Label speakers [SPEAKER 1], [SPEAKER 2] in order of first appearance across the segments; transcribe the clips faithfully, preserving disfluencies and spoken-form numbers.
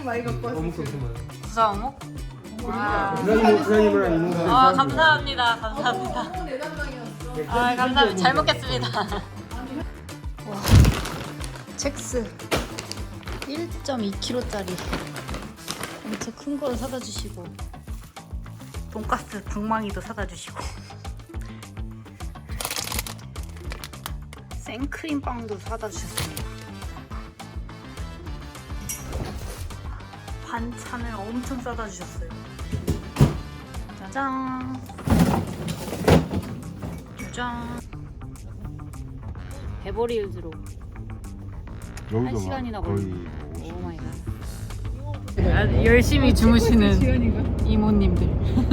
[SPEAKER 1] 많이 갖고 왔어.
[SPEAKER 2] 어묵 엄청 많아.
[SPEAKER 3] 부산 어묵? 와.
[SPEAKER 2] 부산이모 부산이모랑 이모가.
[SPEAKER 3] 아 감사합니다. 감사합니다.
[SPEAKER 1] 내 담당이었어.
[SPEAKER 3] 아 감사합니다. 잘 먹겠습니다. 와. 첵스 일 점 이 킬로그램짜리 엄청 큰 거를 사다 주시고 돈가스 방망이도 사다 주시고 생크림빵도 사다 주셨습니다. 반찬을 엄청 싸다 주셨어요. 짜잔. 짜잔. 베버리 힐즈로 한 시간이나 걸리고. 오 마이 갓. 열심히 주무시는 이모님들.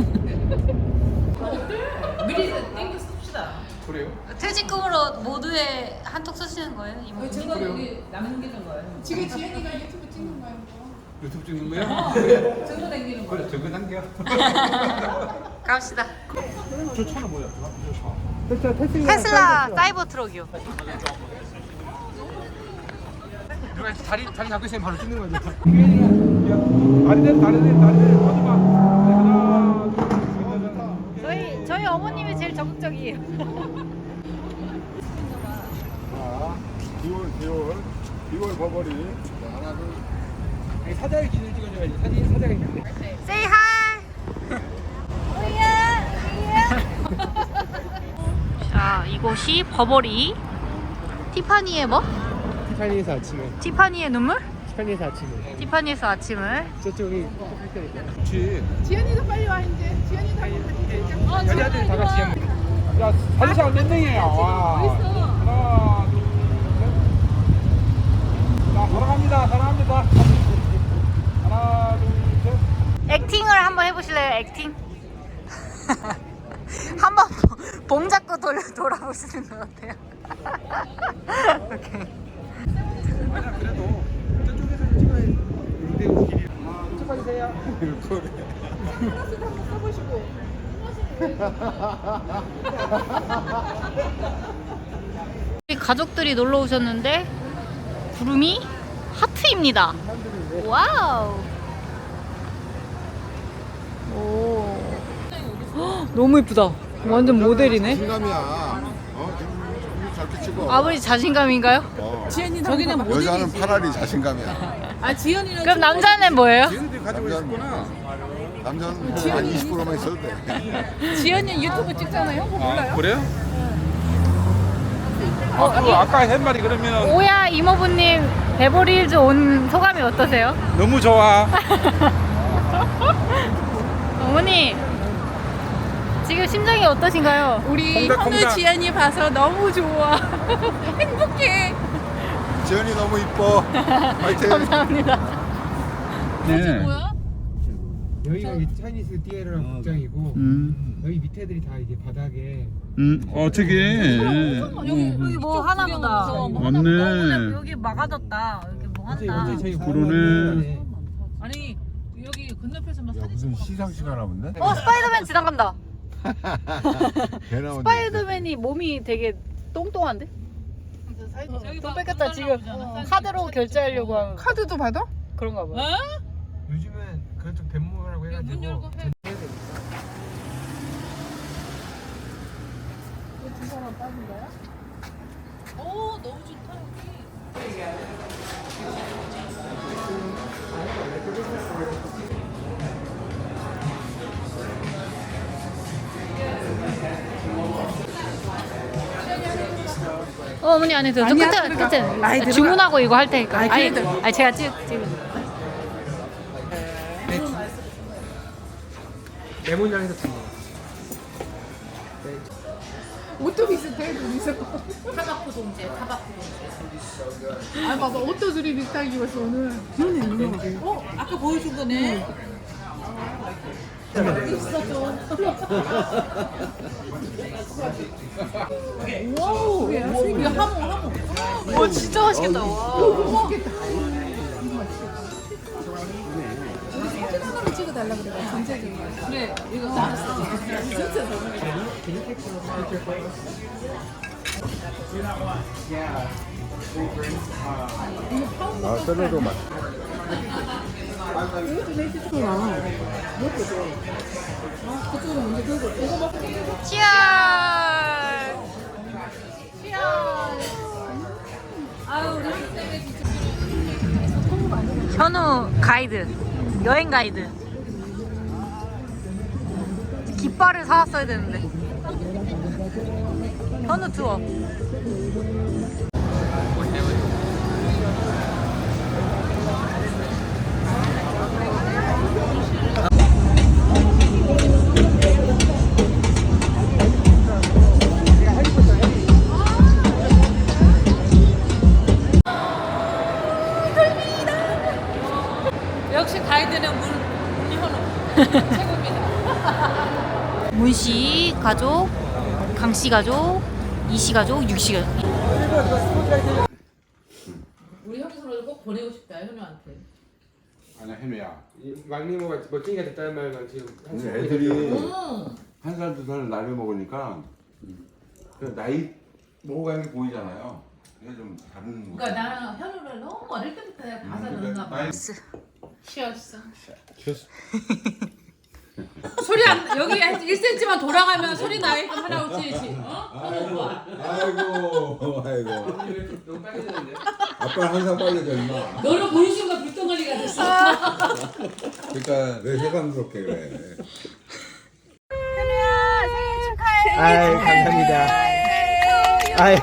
[SPEAKER 1] 미리 땡겨 씁시다.
[SPEAKER 2] 그래요?
[SPEAKER 3] 퇴직금으로 모두에 한턱 쓰시는 거예요, 이모님?
[SPEAKER 1] 제가 여기 남는 게 된 거예요. 지금 지현이가 유튜브 찍는 거예요.
[SPEAKER 2] 유튜브 찍는 거야?
[SPEAKER 1] 어, 증거 남기는 거.
[SPEAKER 2] 그래 저거 남겨.
[SPEAKER 3] 갑시다.
[SPEAKER 2] 저 차는 뭐야? 저 차.
[SPEAKER 3] 테슬라 사이버 트럭이요.
[SPEAKER 2] 누가 자리 자리 잡고 있으면 바로 찍는 거죠. 다리들 다리들 다리들 하지 마. 하나 둘 셋.
[SPEAKER 3] 저희 저희 어머님이 제일 적극적이에요.
[SPEAKER 4] 자, 비월, 비월, 비월 버버리. 자, 하나, 둘.
[SPEAKER 2] 아니 사장의 기준 찍어줘야지. 사진 사장의 기준.
[SPEAKER 3] Say hi. 자, 이곳이 버버리 티파니의 뭐?
[SPEAKER 2] 티파니에서 아침에.
[SPEAKER 3] 티파니의 눈물?
[SPEAKER 2] 티파니에서 아침에.
[SPEAKER 3] 티파니에서 아침을.
[SPEAKER 2] 저쪽이 그렇지.
[SPEAKER 1] 지현이도 빨리 와 이제. 지현이도 한번 같이 찍자. 어,
[SPEAKER 2] 여자들 다 같이 한. 야 사진 몇 명이에요? 와. 하나 둘 셋. 자 사랑합니다. 사랑합니다. 하나 둘 셋.
[SPEAKER 3] 액팅을 한번 해보실래요? 액팅? 한번 봉 잡고 돌, 돌아보시는 것 같아요. 오케이.
[SPEAKER 2] 아니야 그래도 저쪽에서 찍어야 무대 길이. 아 이쪽까지 세요.
[SPEAKER 3] 우리 가족들이 놀러 오셨는데 구름이 하트입니다. 와우. 오. 헉, 너무 예쁘다. 완전 모델이네.
[SPEAKER 4] 자신감이야. 어, 지금 저렇게 찍어.
[SPEAKER 3] 아버지 자신감인가요?
[SPEAKER 4] 어.
[SPEAKER 1] 지현이 저기는
[SPEAKER 4] 여자는 파라리 자신감이야.
[SPEAKER 1] 아 지현이는
[SPEAKER 3] 그럼 남자는 뭐예요?
[SPEAKER 2] 얘네들이 가지고 있었구나.
[SPEAKER 4] 남자는 한 이십 퍼센트만 있어도 돼.
[SPEAKER 1] 지현이 유튜브 찍잖아요. 형 몰라요?
[SPEAKER 2] 아 그래요? 아, 그 아까 한 말이 그러면
[SPEAKER 3] 오야 이모부님 베버리 힐즈 온 소감이 어떠세요?
[SPEAKER 2] 너무 좋아.
[SPEAKER 3] 어머니 지금 심정이 어떠신가요?
[SPEAKER 1] 우리
[SPEAKER 2] 콩닥,
[SPEAKER 1] 현우
[SPEAKER 2] 콩닥.
[SPEAKER 1] 지현이 봐서 너무 좋아. 행복해.
[SPEAKER 4] 지현이 너무 이뻐. 화이팅.
[SPEAKER 3] 감사합니다.
[SPEAKER 2] 네.
[SPEAKER 1] 뭐야?
[SPEAKER 2] 여기가 이제 차이니스 띠에르랑 극장이고
[SPEAKER 5] 음,
[SPEAKER 2] 여기 밑에 애들이 다 이제 바닥에
[SPEAKER 5] 음, 어, 저기.
[SPEAKER 1] 여기
[SPEAKER 3] 여기 뭐 하나 보다.
[SPEAKER 5] 맞네.
[SPEAKER 3] 여기 막아졌다. 여기 뭐
[SPEAKER 2] 어제
[SPEAKER 3] 한다.
[SPEAKER 2] 어제 저희
[SPEAKER 5] 그러네.
[SPEAKER 1] 아니 여기 건너편에서만
[SPEAKER 4] 야,
[SPEAKER 1] 사진
[SPEAKER 4] 무슨
[SPEAKER 1] 찍어.
[SPEAKER 4] 시상식 하나 본데?
[SPEAKER 3] 어 스파이더맨 지나간다.
[SPEAKER 4] 개 나오네.
[SPEAKER 3] 스파이더맨이 몸이 되게 똥똥한데? 돈 뺏겼다 지금 카드로 결제하려고 하는
[SPEAKER 1] 카드도 받아?
[SPEAKER 3] 그런가 봐.
[SPEAKER 2] 요즘은 그런 쪽 뱀모라고 해가지고
[SPEAKER 1] 열고 해. 오 너무 좋다 여기.
[SPEAKER 3] 어, 어머니 안에 들어. 저
[SPEAKER 1] 아니야,
[SPEAKER 3] 끝에
[SPEAKER 1] 들어가.
[SPEAKER 3] 끝에
[SPEAKER 1] 아이, 들어가.
[SPEAKER 3] 주문하고 이거 할 테니까.
[SPEAKER 1] 아이,
[SPEAKER 3] 아니,
[SPEAKER 1] 그래도.
[SPEAKER 3] 아니 제가 찍 찍.
[SPEAKER 2] 레몬향에서 참
[SPEAKER 1] 옷도 비슷해 둘이서. 타바코 동제, 타바코 동제. 아 봐봐 옷도 둘이 비슷하게 입었어 오늘. 그러네. 어 아까 보여준 거네. 있었죠. 와우. 이거 하모 하모.
[SPEAKER 3] 와 진짜 맛있겠다. 와.
[SPEAKER 1] 너무 맛있겠다. 사진 하나만 찍어달라 그래. 전체적으로. 그래 이거 나왔어. 진짜 너무.
[SPEAKER 4] 아, 샐러드 맛.
[SPEAKER 3] 치얼! 현우 가이드, 여행 가이드. 깃발을 사왔어야 되는데. 현우 투어.
[SPEAKER 1] 역시 가이드는 문, 문현우 최고입니다.
[SPEAKER 3] 문씨 가족, 강씨 가족, 이씨 가족, 육씨 가족.
[SPEAKER 1] 우리 형이 서로 꼭 보내고 싶다 현우한테.
[SPEAKER 2] 아니야 현우야.
[SPEAKER 6] 막내모가 멋쟁이가 됐다는 말만 지금 한
[SPEAKER 4] 근데
[SPEAKER 6] 시간
[SPEAKER 4] 애들이
[SPEAKER 1] 음.
[SPEAKER 4] 한 살 두 살 나이 먹으니까 그 나이 먹어가는 게 보이잖아요. 그게 좀 다른 거.
[SPEAKER 1] 그러니까 나는 현우를 너무 어릴 때부터 내가 봐서 그런가 봐. 쉬었어. 소리 안 여기 한 일 센티미터만 돌아가면 소리 나게끔 하라고 치지. 어? 현우 봐.
[SPEAKER 4] 아이고, 아이고.
[SPEAKER 6] 너무 빨개졌는데?
[SPEAKER 4] 아빠는 항상 빨개져 임마.
[SPEAKER 1] 너를 보는 순간 불덩어리가 됐어.
[SPEAKER 4] 그러니까 왜 새삼스럽게 그래.
[SPEAKER 7] 아이 감사합니다. 아유,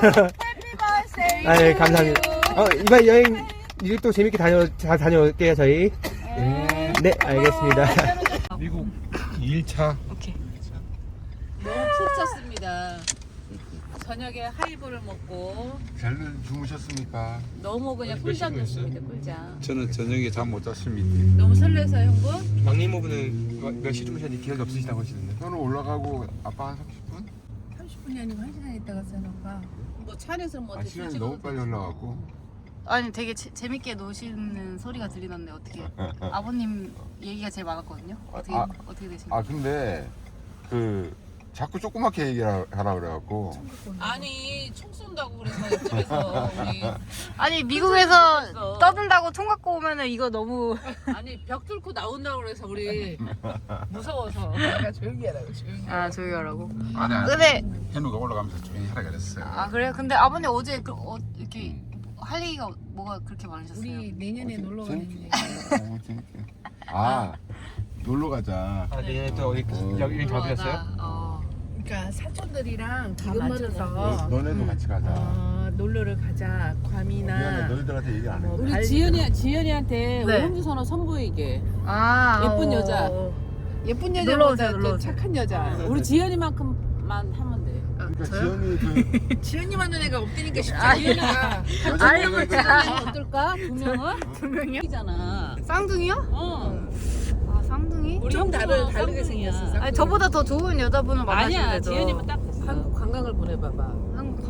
[SPEAKER 7] 아유 감사합니다. 어 이번 여행 이제 또 재밌게 다녀 잘 다녀올게요 저희. 네 알겠습니다.
[SPEAKER 2] 미국 일 차.
[SPEAKER 3] 오케이.
[SPEAKER 1] 너무 푹 잤습니다. 저녁에 하이볼을 먹고
[SPEAKER 4] 잘 주무셨습니까?
[SPEAKER 1] 너무 그냥 꿀잠 잤습니다. 꿀잠.
[SPEAKER 2] 저는 저녁에 잠 못 잤습니다.
[SPEAKER 1] 너무 설레서 형부.
[SPEAKER 7] 막내모부는 몇 시 주무셨는지 기억이 없으시다고 하시는데.
[SPEAKER 4] 저는 올라가고 아빠 한 삼십 분?
[SPEAKER 1] 삼십 분이 아니고 한 시간 있다가 써놓을까. 뭐 차 안에서 뭐
[SPEAKER 4] 아,
[SPEAKER 1] 어떻게
[SPEAKER 4] 시간이
[SPEAKER 1] 찍어
[SPEAKER 4] 너무 빨리 올라가고.
[SPEAKER 3] 아니 되게 재, 재밌게 노시는 소리가 들리던데 어떻게? 아버님 얘기가 제일 많았거든요. 어떻게
[SPEAKER 4] 아,
[SPEAKER 3] 어떻게 되신가요?
[SPEAKER 4] 아 근데 그 자꾸 조그맣게 얘기하라 그래갖고
[SPEAKER 1] 아니 총 쏜다고 그래서 옆집에서 우리
[SPEAKER 3] 아니 미국에서
[SPEAKER 1] 그래서.
[SPEAKER 3] 떠든다고 총 갖고 오면은 이거 너무
[SPEAKER 1] 아니 벽 뚫고 나온다고 그래서 우리 무서워서 내가 조용히 하라고 조용히
[SPEAKER 3] 아 조용히 하라고.
[SPEAKER 2] 아니 아니.
[SPEAKER 3] 근데
[SPEAKER 2] 현우가 올라가면서 조용히 하라 그랬어요.
[SPEAKER 3] 아 그래요? 근데 아버님 어제 그, 어, 이렇게 할 얘기가 뭐가 그렇게 많으셨어요?
[SPEAKER 1] 우리 내년에 놀러 가는 게
[SPEAKER 4] 어, 재밌게. 아 놀러 가자.
[SPEAKER 7] 아 내년에 또 어디 여기 잡으셨어요?
[SPEAKER 3] 어.
[SPEAKER 1] 그러니까 사촌들이랑
[SPEAKER 3] 다
[SPEAKER 1] 기금
[SPEAKER 3] 맞춰서.
[SPEAKER 1] 맞춰서
[SPEAKER 4] 너네도 같이 가자.
[SPEAKER 1] 어, 놀러를 가자.
[SPEAKER 4] 미안해
[SPEAKER 1] 괌이나
[SPEAKER 4] 너희들한테 얘기 안 해.
[SPEAKER 1] 뭐
[SPEAKER 4] 뭐,
[SPEAKER 1] 우리 지연이 지연이한테
[SPEAKER 3] 네.
[SPEAKER 1] 오은주 선호 선보이게
[SPEAKER 3] 아
[SPEAKER 1] 예쁜
[SPEAKER 3] 어.
[SPEAKER 1] 여자. 예쁜
[SPEAKER 3] 놀러
[SPEAKER 1] 여자보다
[SPEAKER 3] 오세요, 놀러
[SPEAKER 1] 좀
[SPEAKER 3] 오세요.
[SPEAKER 1] 착한 여자. 우리 지연이만큼만 하면 돼.
[SPEAKER 4] 그러니까 지연이 그
[SPEAKER 1] 지연이만 한 애가 없다니까 쉽지
[SPEAKER 3] 아니,
[SPEAKER 1] 지연이가
[SPEAKER 3] 아니
[SPEAKER 1] 어떨까? 두 명은?
[SPEAKER 3] 두 명이요?
[SPEAKER 1] 잖아.
[SPEAKER 3] 쌍둥이요?
[SPEAKER 1] 어.
[SPEAKER 3] 아 쌍둥이?
[SPEAKER 1] 우리 형 나를 다르게
[SPEAKER 3] 쌍둥이야.
[SPEAKER 1] 생겼어.
[SPEAKER 3] 아니 저보다 더 좋은 여자분을 만나시면
[SPEAKER 1] 아니야.
[SPEAKER 3] 되죠.
[SPEAKER 1] 지연이면 딱 됐어. 한국 관광을 보내봐봐.
[SPEAKER 3] 한국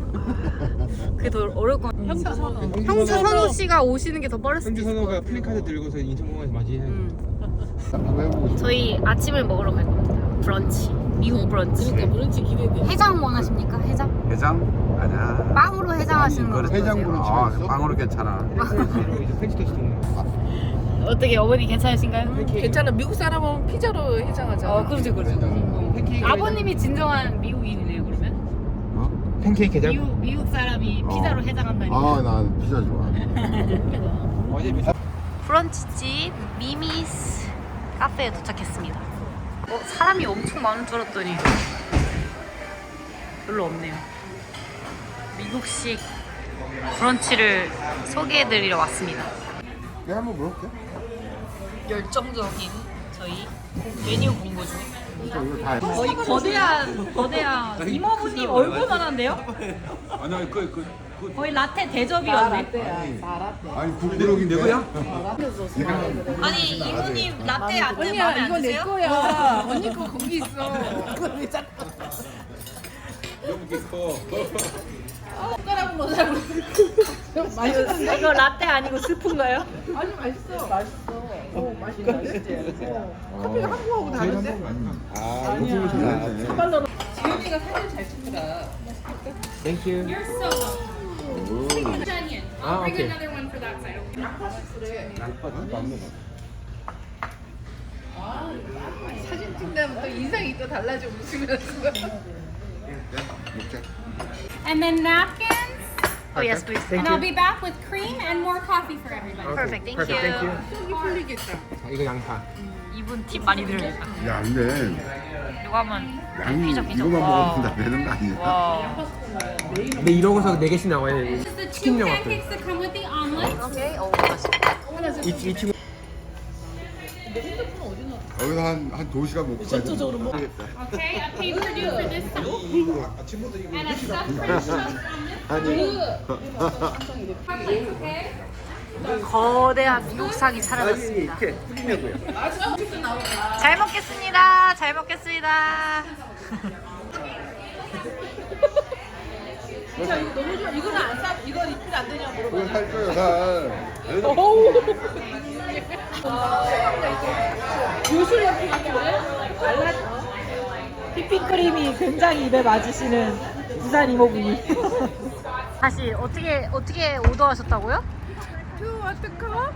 [SPEAKER 3] 관광? 그게 더 어려울 것 같아요.
[SPEAKER 1] 형수 선호.
[SPEAKER 3] 형수 선우 씨가 오시는 게 더 빠를 수도
[SPEAKER 7] 형주
[SPEAKER 3] 있을 것
[SPEAKER 7] 선호가
[SPEAKER 3] 같아요.
[SPEAKER 7] 플랜카드 들고서 인천공항에서 맞이해요.
[SPEAKER 3] 음.
[SPEAKER 4] 외우고 싶어.
[SPEAKER 3] 저희 아침을 먹으러 갈 겁니다. 브런치. 미국 브런치.
[SPEAKER 1] 그러니까 브런치 기대돼.
[SPEAKER 3] 해장 원하십니까? 해장?
[SPEAKER 2] 해장? 아니야.
[SPEAKER 3] 빵으로 해장하시는 거
[SPEAKER 4] 해장
[SPEAKER 3] 어떠세요?
[SPEAKER 4] 브런치.
[SPEAKER 2] 아, 빵으로 괜찮아.
[SPEAKER 7] 이제 프렌치 토스트 먹는 거.
[SPEAKER 3] 어떻게 어머니 괜찮으신가요?
[SPEAKER 1] 괜찮아. 미국 사람은 피자로 해장하잖아.
[SPEAKER 3] 어, 그렇죠, 그렇죠.
[SPEAKER 7] 팬케이크
[SPEAKER 3] 아버님이 진정한 미국인이네요, 그러면?
[SPEAKER 4] 어?
[SPEAKER 7] 팬케이크 해장.
[SPEAKER 3] 미국, 미국 사람이
[SPEAKER 4] 어.
[SPEAKER 3] 피자로 해장한다니.
[SPEAKER 4] 아, 난 피자 좋아.
[SPEAKER 7] 어제 몇
[SPEAKER 3] 브런치집 미미스 카페에 도착했습니다. 어, 사람이 엄청 많은 줄 알았더니 별로 없네요. 미국식 브런치를 소개해드리러 왔습니다.
[SPEAKER 4] 내가 한번 물어볼게.
[SPEAKER 3] 열정적인 저희 메뉴 공부 중.
[SPEAKER 4] 이거 이거 다.
[SPEAKER 3] 거의 거대한 거대한 이모부님 얼굴만한데요?
[SPEAKER 2] 아니 그 그.
[SPEAKER 3] 거의 라떼 대접이었네.
[SPEAKER 4] 아니 굴비록이 내거야?
[SPEAKER 3] 아니 이모님 라떼 안 마음에
[SPEAKER 1] 언니야
[SPEAKER 3] 안
[SPEAKER 1] 이거 내
[SPEAKER 3] 드세요?
[SPEAKER 1] 거야. 언니 거 거기 있어. 그거 왜 자꾸 손가락은 못 살고. 맛있는데?
[SPEAKER 3] 이거 라떼 아니고 스프인가요?
[SPEAKER 1] 아니 맛있어. 맛있어. 어 맛있어. 커피가 한국하고 다른데?
[SPEAKER 4] 아, 이거 잘하네.
[SPEAKER 1] 지연이가 사진 잘 찍더라.
[SPEAKER 7] 땡큐.
[SPEAKER 1] onion. I'll
[SPEAKER 6] Ah,
[SPEAKER 1] bring
[SPEAKER 6] okay.
[SPEAKER 1] another one for that side.
[SPEAKER 8] 사진 찍다면 또 인상이 또 달라져 웃으면서.
[SPEAKER 1] And then napkins.
[SPEAKER 3] Oh yes, please.
[SPEAKER 1] And I'll be back with cream and more coffee for everybody.
[SPEAKER 3] Perfect. Thank
[SPEAKER 6] Perfect, thank
[SPEAKER 3] you.
[SPEAKER 6] you.
[SPEAKER 8] 속이 풀리겠다.
[SPEAKER 6] 자, 이거 양파.
[SPEAKER 3] 이분 팁 많이 드려야겠다.
[SPEAKER 4] 야 근데
[SPEAKER 3] 이거 하면
[SPEAKER 4] 양이
[SPEAKER 3] 피자 피자.
[SPEAKER 4] 이거만
[SPEAKER 3] 와.
[SPEAKER 4] 먹으면 다 되는 거 아니야?
[SPEAKER 3] 와.
[SPEAKER 6] 근데 이러고서 네 개씩 나와야 돼.
[SPEAKER 1] This is the two
[SPEAKER 6] 치킨 영화들.
[SPEAKER 1] pancakes that come with the omelet.
[SPEAKER 3] 오케이. 오 맛있다.
[SPEAKER 6] 이, 이 친구.
[SPEAKER 4] 여기서 한한 두 시간 먹고 가야 되겠다.
[SPEAKER 1] Okay, a pay-per-view for this side. And a stuffed French toast on this
[SPEAKER 4] 아니
[SPEAKER 1] side, okay?
[SPEAKER 3] 거대한 미국상이 사라졌습니다.
[SPEAKER 6] 이렇게 풀리냐고요.
[SPEAKER 3] 잘 먹겠습니다. 잘 먹겠습니다.
[SPEAKER 8] 자 이거 너무 좋아. 이거는 안 싸. 이거 리필 안 되냐고 물어봐.
[SPEAKER 4] 그걸 살 거예요 살.
[SPEAKER 8] 요술 연필 같은데? 말랐어.
[SPEAKER 3] 휘핑크림이 굉장히 입에 맞으시는 부산 이모분이. 다시 어떻게 어떻게 오더하셨다고요?
[SPEAKER 8] 투 어떡하?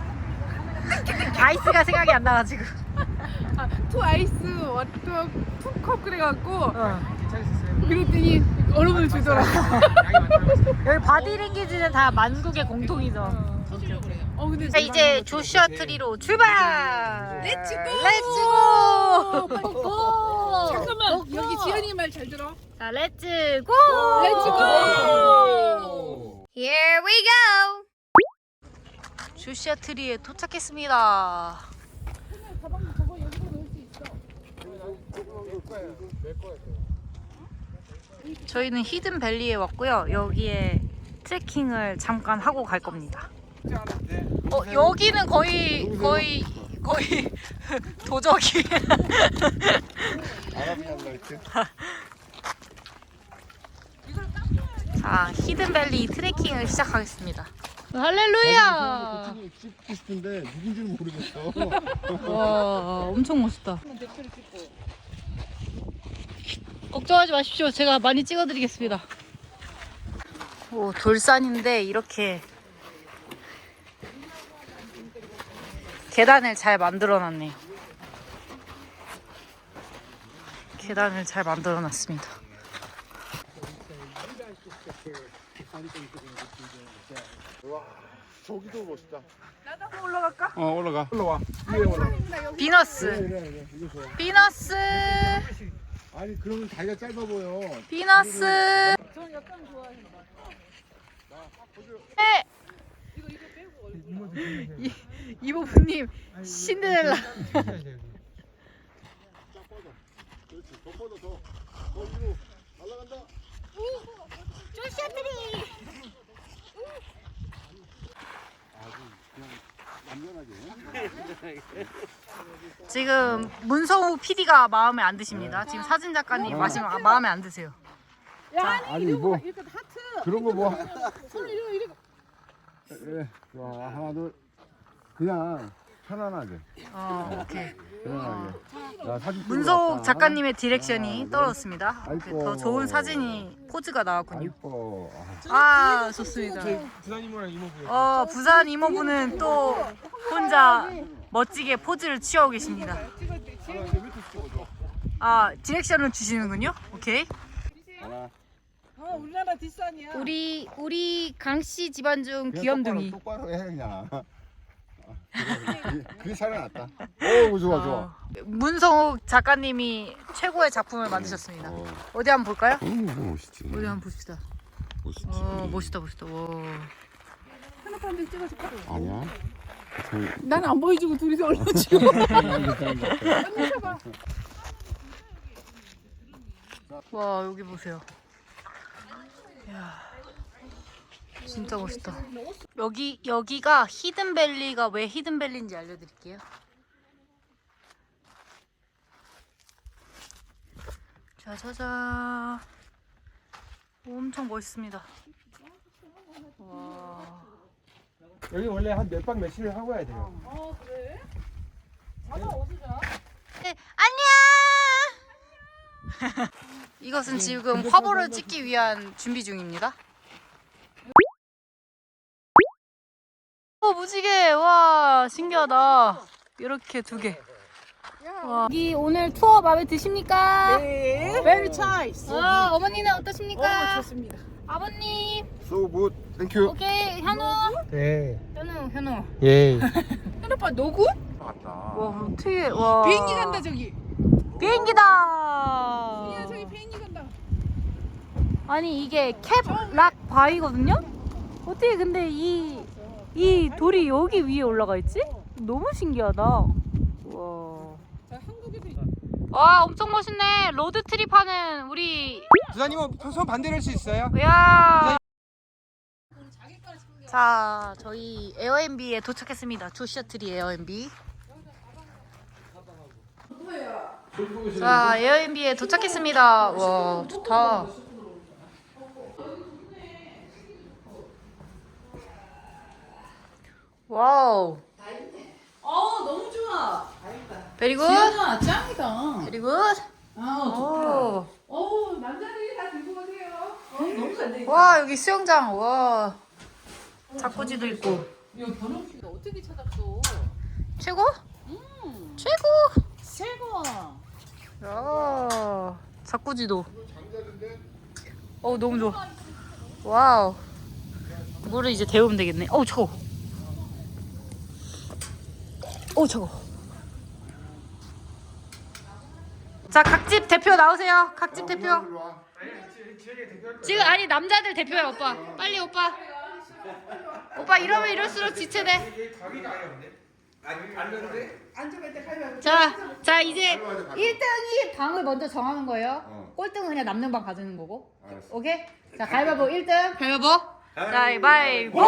[SPEAKER 3] 아이스가 생각이 안 나가지고.
[SPEAKER 8] 투 아이스 워터 투컵 그래갖고
[SPEAKER 3] 어.
[SPEAKER 8] 그랬더니 얼음을 주더라고.
[SPEAKER 3] 여기 바디랭귀지는 다 만국의 공통이죠.
[SPEAKER 8] 어 근데
[SPEAKER 3] 자 이제 조슈아 트리로 출발.
[SPEAKER 8] 렛츠고!
[SPEAKER 3] 렛츠고.
[SPEAKER 8] 고! 잠깐만 여기 지연이 말 잘 들어.
[SPEAKER 3] 자 렛츠고.
[SPEAKER 8] 렛츠고!
[SPEAKER 3] Here we go. 조슈아 트리에 도착했습니다. 저희는 히든 밸리에 왔고요. 여기에 트레킹을 잠깐 하고 갈 겁니다. 어 여기는 거의 거의 거의 도적이. 자 히든 밸리 트레킹을 시작하겠습니다. 할렐루야.
[SPEAKER 4] 찍고 싶은데 누군지는 모르겠어.
[SPEAKER 3] 와 엄청 멋있다. 걱정하지 마십시오. 제가 많이 찍어드리겠습니다. 오, 돌산인데 이렇게 계단을 잘 만들어놨네요. 계단을 잘 만들어놨습니다.
[SPEAKER 4] 저기도 멋있다.
[SPEAKER 2] 어 올라가. 올라와. 위에 올라.
[SPEAKER 3] 비너스, 비너스,
[SPEAKER 4] 아니 그러면 다리가 짧아 보여.
[SPEAKER 3] 비너스. 네. 이- 이모부님 신데렐라.
[SPEAKER 4] 그렇지. 더 뻗어 더. 더 위로 올라간다.
[SPEAKER 3] 조슈아트리. 지금 문성우 피디가 마음에 안 드십니다. 지금 사진 작가님 마시면 마음에 안 드세요.
[SPEAKER 4] 아니 뭐
[SPEAKER 8] 이렇게 하트.
[SPEAKER 4] 그런 거 뭐.
[SPEAKER 8] 손을 이렇게 이렇게.
[SPEAKER 4] 예. 자 하나 둘. 그냥 편안하게.
[SPEAKER 3] 어, 오케이.
[SPEAKER 4] 편안하게. 자, 사진 찍으러
[SPEAKER 3] 문성욱
[SPEAKER 4] 왔다.
[SPEAKER 3] 작가님의 디렉션이 떨어졌습니다.
[SPEAKER 4] 아이고.
[SPEAKER 3] 더 좋은 사진이 포즈가 나왔군요.
[SPEAKER 4] 아이고.
[SPEAKER 3] 아 좋습니다.
[SPEAKER 6] 부산 이모랑 이모부요.
[SPEAKER 3] 어 부산 이모부는 또 혼자 멋지게 포즈를 취하고 계십니다. 아 디렉션을 주시는군요. 오케이.
[SPEAKER 4] 하나.
[SPEAKER 8] 어 우리나라 뒷산이야.
[SPEAKER 3] 우리 우리 강씨 집안 중
[SPEAKER 4] 그냥
[SPEAKER 3] 귀염둥이.
[SPEAKER 4] 똑바로, 똑바로 해 그냥. 그게, 그게 살아났다. 오 좋아 좋아.
[SPEAKER 3] 어, 문성욱 작가님이 최고의 작품을 만드셨습니다.
[SPEAKER 4] 어.
[SPEAKER 3] 어디 한번 볼까요?
[SPEAKER 4] 너무 멋있지.
[SPEAKER 3] 어디 한번 봅시다.
[SPEAKER 4] 멋있지.
[SPEAKER 3] 어 멋있다 멋있다. 와.
[SPEAKER 8] 하나 한 장 찍어줄까?
[SPEAKER 4] 아니야.
[SPEAKER 8] 난 안 보여주고 둘이서 올려줘.
[SPEAKER 3] 와 여기 보세요. 이야, 진짜 멋있다. 여기 여기가 히든밸리가 왜 히든밸리인지 알려드릴게요. 짜자잔. 엄청 멋있습니다. 와.
[SPEAKER 6] 여기 원래 한 몇 박 며칠을 하고 와야 돼요.
[SPEAKER 3] 네, 안녕. 이것은 지금 화보를 찍기 위한 준비 중입니다. 신기하다. 이렇게 두 개. 와. 여기 오늘 투어 마음에 드십니까?
[SPEAKER 1] 네. Very nice.
[SPEAKER 3] 아, 어머니는 어떠십니까?
[SPEAKER 1] 어, 좋습니다.
[SPEAKER 3] 아버님.
[SPEAKER 4] So good. Thank you.
[SPEAKER 3] 오케이, 현우.
[SPEAKER 6] 네.
[SPEAKER 3] 현우, 현우.
[SPEAKER 6] 예.
[SPEAKER 1] 현오빠 너구?
[SPEAKER 4] 왔다.
[SPEAKER 3] 와, 어떻게, 와.
[SPEAKER 1] 비행기 간다 저기.
[SPEAKER 3] 비행기다.
[SPEAKER 1] 야 저기 비행기 간다.
[SPEAKER 3] 아니, 이게 캡락 바위거든요? 어떻게 근데 이, 이 돌이 여기 위에 올라가 있지? 너무 신기하다. 와. 와, 엄청 멋있네. 로드 트립 하는 우리.
[SPEAKER 7] 부사님은 손 반대로 할 수 있어요?
[SPEAKER 3] 야. 자, 저희 에어앤비에 도착했습니다. 조시아트리 에어앤비. 자, 에어앤비에 도착했습니다. 와, 좋다. 와우.
[SPEAKER 1] 어 너무 좋아.
[SPEAKER 3] 베리 굿.
[SPEAKER 1] 지연아 짱이다.
[SPEAKER 3] 베리 굿.
[SPEAKER 1] 아
[SPEAKER 3] 오.
[SPEAKER 1] 어 남자들이 다 들고 오세요. 어, 너무 잘 돼.
[SPEAKER 3] 와, 여기 수영장. 와. 자쿠지도 있고.
[SPEAKER 1] 야 변호씨가 어떻게 찾았어?
[SPEAKER 3] 최고?
[SPEAKER 1] 음
[SPEAKER 3] 최고.
[SPEAKER 1] 최고.
[SPEAKER 3] 야. 자쿠지도. 어, 너무 좋아. 와우. 물을 이제 데우면 되겠네. 어우, 차워. 어우, 차워. 자, 각집 대표 나오세요. 각집 대표. 지금 아니 남자들 대표야 오빠. 빨리 오빠. 오빠 이러면 이럴수록 지체돼. 자, 자 이제 일 등이 방을 먼저 정하는 거예요.
[SPEAKER 4] 어.
[SPEAKER 3] 꼴등은 그냥 남는 방 가지는 거고.
[SPEAKER 4] 알았어.
[SPEAKER 3] 오케이? 자, 가위바위보 일 등. 가위바위보. 가위바위보.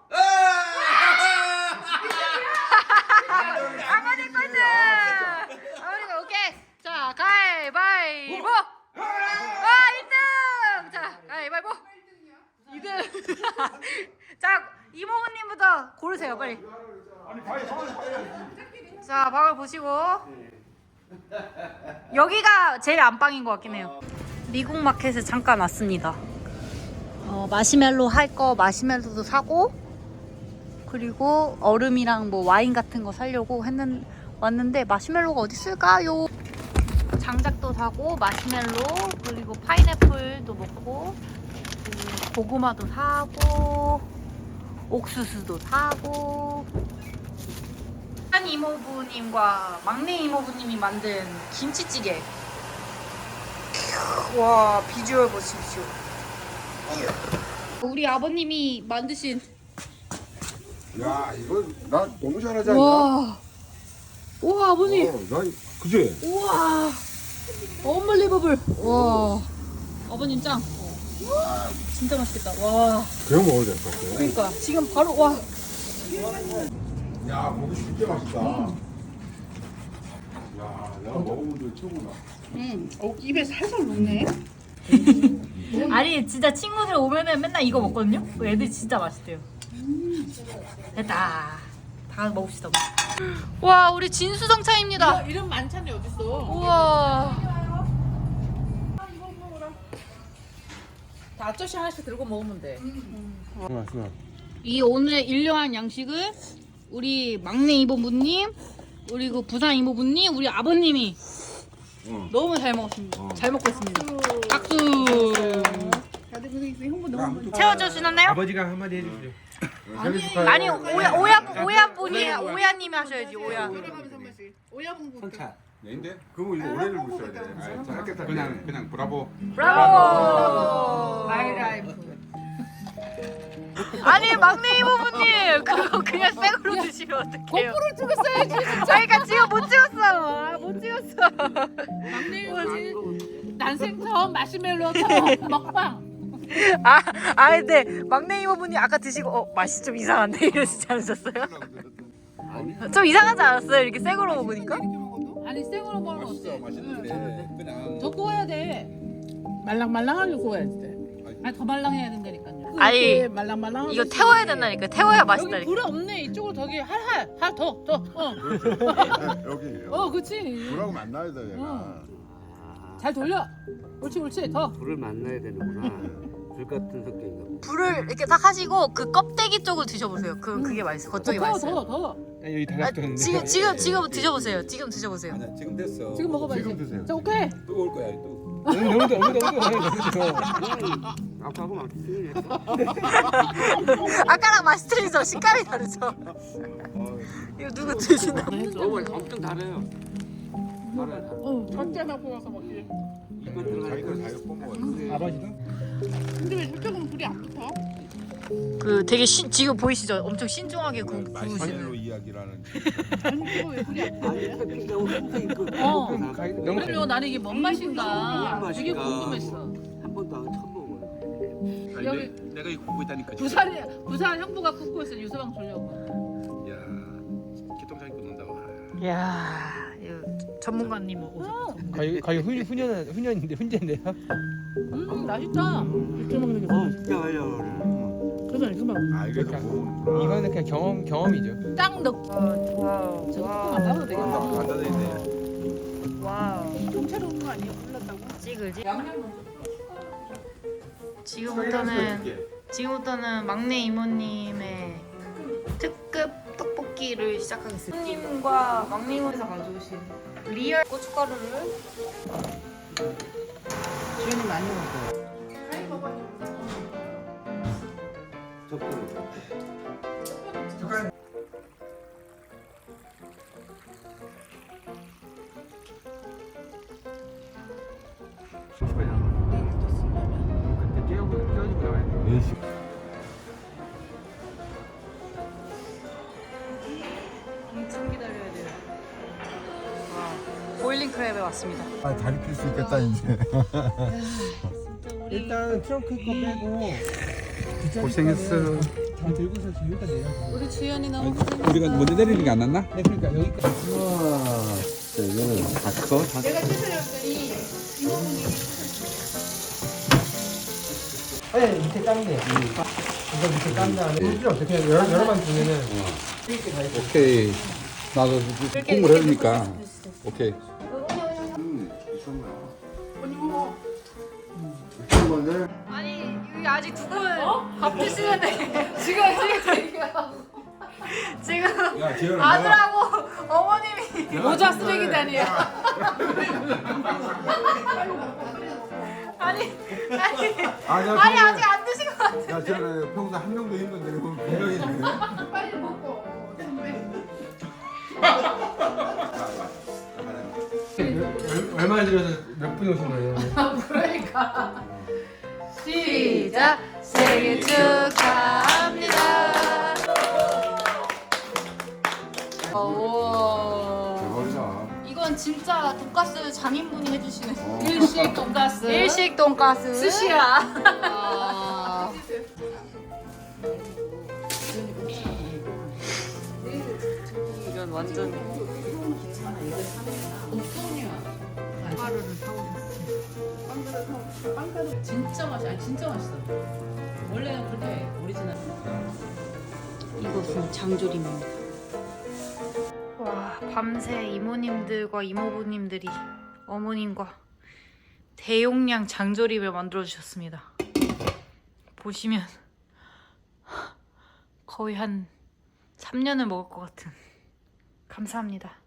[SPEAKER 3] 아버지 꼴등. 아버지가 오케이. 자, 가위바위보. 와, 일 등. 자, 가위바위보. 이 등. 자, 이모부님부터 고르세요, 빨리. 자, 방을 보시고. 여기가 제일 안방인 것 같긴 해요. 미국 마켓에 잠깐 왔습니다. 어, 마시멜로 할 거 마시멜로도 사고, 그리고 얼음이랑 뭐 와인 같은 거 사려고 했는 왔는데 마시멜로가 어디 있을까요? 장작도 사고 마시멜로 그리고 파인애플도 먹고 그리고 고구마도 사고 옥수수도 사고. 한 이모부님과 막내 이모부님이 만든 김치찌개. 와, 비주얼 보십시오. 우리 아버님이 만드신.
[SPEAKER 4] 야 이거 나 너무 잘하지 않나?
[SPEAKER 3] 와, 와 아버님.
[SPEAKER 4] 어, 나 그지?
[SPEAKER 3] 우와, 언블리버블. 와, 아버님 짱. 진짜 맛있겠다. 와,
[SPEAKER 4] 그냥 먹어도 될 것 같아.
[SPEAKER 3] 그러니까 지금 바로 와.
[SPEAKER 4] 야 고기 진짜 맛있다. 야 내가 먹어본 적 최고다.
[SPEAKER 1] 응. 어 입에 살살 녹네.
[SPEAKER 3] 아니 진짜 친구들 오면은 맨날 이거 먹거든요. 애들 진짜 맛있대요. 됐다. 다 먹읍시다. 와, 우리 진수성차입니다.
[SPEAKER 1] 이런, 이런 만찬이 어딨어?
[SPEAKER 3] 우와.
[SPEAKER 1] 다 아저씨 하나씩 들고 먹으면 돼.
[SPEAKER 3] 이 오늘의 일용할 양식을 우리 막내 이모부님, 그리고 부산 이모부님, 우리 아버님이
[SPEAKER 4] 응.
[SPEAKER 3] 너무 잘 먹었습니다.
[SPEAKER 4] 어.
[SPEAKER 3] 잘 먹고 있습니다. 박수.
[SPEAKER 1] 다들 고생했어요. 홍보 너무 많이.
[SPEAKER 3] 채워주시나요?
[SPEAKER 7] 아버지가 한마디 해주세요.
[SPEAKER 3] 아니 오야 오야 오야 분이 오야님이 하셔야지 오야.
[SPEAKER 1] 돌아가면서 한 번씩. 오야분부.
[SPEAKER 4] 내인데? 그럼 이거 오래를 못 써야 돼. 아, 짧게 그냥 그냥 브라보.
[SPEAKER 3] 브라보.
[SPEAKER 1] 마이라이프.
[SPEAKER 3] 아니 막내 이모부님 그거 그냥 생으로 드시면 어떡해요?
[SPEAKER 1] 고프를 두고 써야지.
[SPEAKER 3] 아, 그러니까 지금 못 찍었어. 아, 못 찍었어.
[SPEAKER 1] 막내 이모지. 난생 처음 마시멜로 처음 먹방.
[SPEAKER 3] 아, 아 근데 막내 이모분이 아까 드시고 어 맛이 좀 이상한데 이러시지 않으셨어요? 좀 이상하지 않았어요? 이렇게 생으로 먹으니까?
[SPEAKER 1] 아니 생으로 먹으면 어때?
[SPEAKER 4] 맛있는데 그냥
[SPEAKER 1] 더 구워야 돼. 말랑말랑하게 구워야 돼. 아니 더 말랑해야 된다니까요.
[SPEAKER 3] 아니,
[SPEAKER 1] 이렇게 말랑말랑하게
[SPEAKER 3] 이거 태워야
[SPEAKER 1] 구워야 돼.
[SPEAKER 3] 된다니까. 태워야
[SPEAKER 1] 여기
[SPEAKER 3] 맛있다니까.
[SPEAKER 1] 불이 없네. 이쪽으로 저기 할할 할 더 더. 어.
[SPEAKER 4] 여기
[SPEAKER 1] 어, 그렇지.
[SPEAKER 4] 불하고 만나야 돼 얘가.
[SPEAKER 1] 잘 돌려. 옳지, 옳지. 더.
[SPEAKER 9] 불을 만나야 되는구나. 불 같은 성격인가 보다.
[SPEAKER 3] 불을 이렇게 딱 하시고 그 껍데기 쪽을 드셔보세요. 그 그게 맛있어. 겉쪽이
[SPEAKER 1] 더,
[SPEAKER 3] 맛있어요.
[SPEAKER 1] 더, 더.
[SPEAKER 6] 여기
[SPEAKER 3] 아,
[SPEAKER 6] 달랐던데.
[SPEAKER 3] 지금 지금 지금 드셔보세요. 지금 드셔보세요.
[SPEAKER 4] 아니야 지금 됐어.
[SPEAKER 1] 지금 먹어봐야지.
[SPEAKER 4] 지금 드세요.
[SPEAKER 1] 자, 오케이.
[SPEAKER 4] 뜨거울 거야 또.
[SPEAKER 6] 너무 너무 너무 너무 너무
[SPEAKER 9] 아까하고 막 틀리네.
[SPEAKER 3] 아까랑 맛이 틀리죠? 식감이 다르죠? 이거 누구 드시나?
[SPEAKER 9] 너무 엄청 달아요. 달아요.
[SPEAKER 1] 어, 적게 갖고 와서 먹기.
[SPEAKER 9] 입만 들어가니까
[SPEAKER 4] 자기 걸 자기 뽑먹어.
[SPEAKER 6] 아버지도?
[SPEAKER 1] 근데 왜 저쪽은 불이 안 붙어?
[SPEAKER 3] 그 되게 신, 지금 보이시죠? 엄청 신중하게 구, 구우시는.
[SPEAKER 4] 마실로 이야기라는.
[SPEAKER 1] 아니, 이거 왜 불이 안 붙어?
[SPEAKER 9] 아니 커피가 항상 있고.
[SPEAKER 3] 어.
[SPEAKER 6] 너무
[SPEAKER 1] 그리고 나는 이게 뭔 맛인가
[SPEAKER 9] 무슨
[SPEAKER 1] 되게
[SPEAKER 9] 맛일까?
[SPEAKER 1] 궁금했어.
[SPEAKER 9] 한 번도 안 처음 먹어요.
[SPEAKER 1] 여기
[SPEAKER 4] 내가 이거 보고 있다니까.
[SPEAKER 1] 부산이 부산 형부가 굽고있어 유서방 주려고.
[SPEAKER 4] 야 기똥차게 굽는다고.
[SPEAKER 3] 이야, 이거 전문가님 오셨어.
[SPEAKER 6] 거의 거의 훈 훈연 훈연인데 훈제인데요.
[SPEAKER 1] 음 맛있다. 이렇게 먹는 게
[SPEAKER 9] 어
[SPEAKER 1] 맛있어.
[SPEAKER 9] 진짜 맛있어.
[SPEAKER 1] 그래서 이거 막
[SPEAKER 4] 아 이게 다 먹는구나.
[SPEAKER 6] 이거는 그냥 경험 경험이죠.
[SPEAKER 1] 딱 넣고
[SPEAKER 3] 와우,
[SPEAKER 1] 저거 뚜껑 안 닫아도 되겠다.
[SPEAKER 4] 안 닫아 있네.
[SPEAKER 3] 와우.
[SPEAKER 1] 통째로 오는 거 아니야? 불렀다고?
[SPEAKER 3] 찌글지. 지금부터는 지금부터는 막내 이모님의 특급 떡볶이를 시작하겠습니다. 이모님과 막내 이모님께서 가져오신 리얼 고춧가루를
[SPEAKER 1] 주연이 많이 먹어.
[SPEAKER 9] 적당히.
[SPEAKER 6] 그때 깨우고 깨워주고 나와야 돼.
[SPEAKER 4] 예시.
[SPEAKER 3] 엄청 기다려야 돼요. 와, 보일링 크랩에 왔습니다.
[SPEAKER 4] 아 다리 필 수 있겠다 이제.
[SPEAKER 6] 일단 트렁크 거 빼고
[SPEAKER 4] 고생했어.
[SPEAKER 6] 다 들고서 지금 여기까지 내려.
[SPEAKER 1] 우리 주연이 너무
[SPEAKER 4] 우리가 먼저 내리는 게 안 났나?
[SPEAKER 6] 네 그러니까 여기까지.
[SPEAKER 4] 우와. 자 이거는 닫고 닫.
[SPEAKER 1] 내가 찢어졌더니 이모분이
[SPEAKER 6] 아니 밑에 깐데. 이거 밑에 깐 다음에 필요 없어. 그냥 여러 여러 번 주면은
[SPEAKER 4] 오케이. 나도 공부를 해주니까. 오케이. 음, 이거는
[SPEAKER 3] 아니 여기 아직 두 분 밥 드시는데 지금 지금 지금
[SPEAKER 4] 야 지현아.
[SPEAKER 3] 아들하고 어머님이
[SPEAKER 1] 모자 쓰레기다니야.
[SPEAKER 3] 아니 아니
[SPEAKER 4] 아니야.
[SPEAKER 3] 아니 아직 안 드신 것 같아.
[SPEAKER 4] 야 지현아 평소 한 명도 힘든데 그럼 분명히 있네.
[SPEAKER 1] 빨리 먹고.
[SPEAKER 6] 얼- 얼마 들여서 몇 분 오신 거예요?
[SPEAKER 1] 그러니까.
[SPEAKER 3] 시작. 생일 축하합니다. 오.
[SPEAKER 4] 대박이다.
[SPEAKER 3] 이건 진짜 돈가스 장인분이 해주시는
[SPEAKER 4] 어.
[SPEAKER 1] 일식 돈가스.
[SPEAKER 3] 일식 돈가스.
[SPEAKER 1] 스시야.
[SPEAKER 3] 아. 이건 완전
[SPEAKER 1] 진짜 맛있어. 아니 진짜 맛있어. 원래는 그렇게 오리지널.
[SPEAKER 3] 이것은 장조림입니다. 와, 밤새 이모님들과 이모부님들이 어머님과 대용량 장조림을 만들어 주셨습니다. 보시면 거의 한 삼 년을 먹을 것 같은. 감사합니다.